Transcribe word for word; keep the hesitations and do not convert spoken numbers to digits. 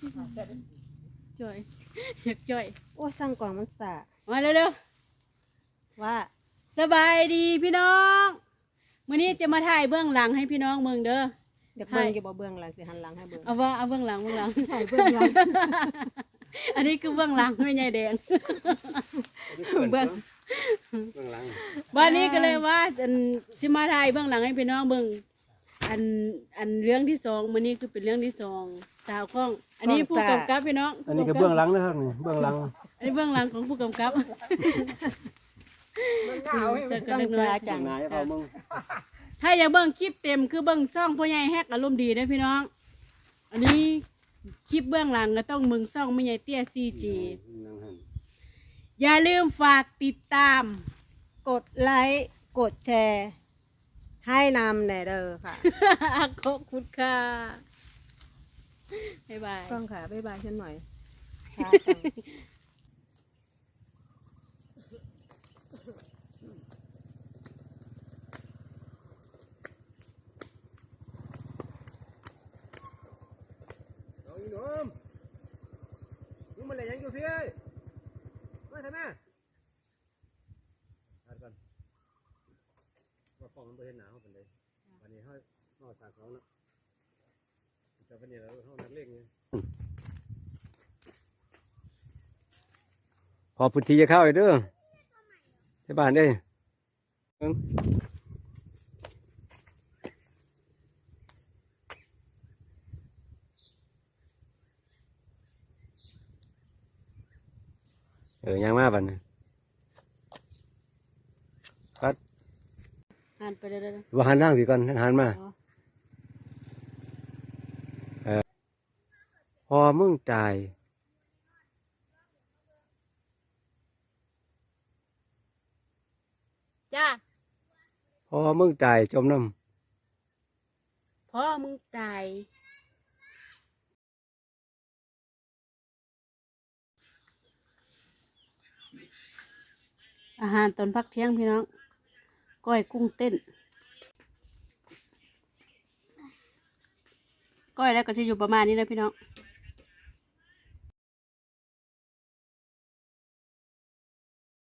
จ่อยอยากจ่อยโอ้สั่งก่อนมันสะมาเร็วว่าๆสบายดีพี่น้องมื้อนี้จะมาถ่ายเบื้องหลังให้พี่น้องเมืองเด้ออยากเบิ่งอยู่บ่เบื้องหลังสิหันหลังให้เบิ่งเอาว่าเอาเบื้องหลังเบื้องหลังถ่ายเบื้องหลังอันนี้คือเบื้องหลังไม่ใช่แดงเบื้องเบื้องหลังวันนี้ก็เลยว่าอันสิมาถ่ายเบื้องหลังให้พี่น้องเบิ่งอันอันเรื่องที่สองมื้อนี้คือเป็นเรื่องที่สองสาวข้อง อันนี้ผู้กำกับพี่น้องอันนี้ก็เบื้องหลังนะครับนี่เบื้องหลังอันนี้เบื้องหลังของผู้กำกับต้องสาจังนายเอามึงถ้าอยากเบิ่งคลิปเต็มคือเบิ่งช่องพ่อใหญ่แฮกอารมณ์ดีนะพี่น้อง อันนี้คลิปเบื้องหลังก็ต้องมึงช่องแม่ใหญ่เตี้ย ซี จีนั่งหันอย่าลืมฝากติดตามกดไลค์กดแชร์ให้นำแน่เด้อค่ะขอบคุณค่ะบ๊ายบายกล้องค่ะบ๊ายบายฉันหน่อยช้าจังเอาอีหนุ่มมึงมาเล่นยังอยู่พี่มาทำไมทัดก่อนว่าป้องมันไปเห็นหนาวเป็นเลยวันนี้เขาเขาสาสองเนาะแต่วันนี้เราเขานักเล่นไงพอพื้นที่จะเข้าอีกเด้อที่บ้านเด้เออยังมาบัดนี้ปัดหันไปเลยเลยว่าหันทางพี่ก่อนหันมาเออพอมึงตายจ้าพอมึงตายจมน้พ่อมึงตายอาหารตอนพักเที่ยงพี่น้องก้อยกุ้งเต้นก้อยแล้วก็จะอยู่ประมาณนี้นะพี่น้องำ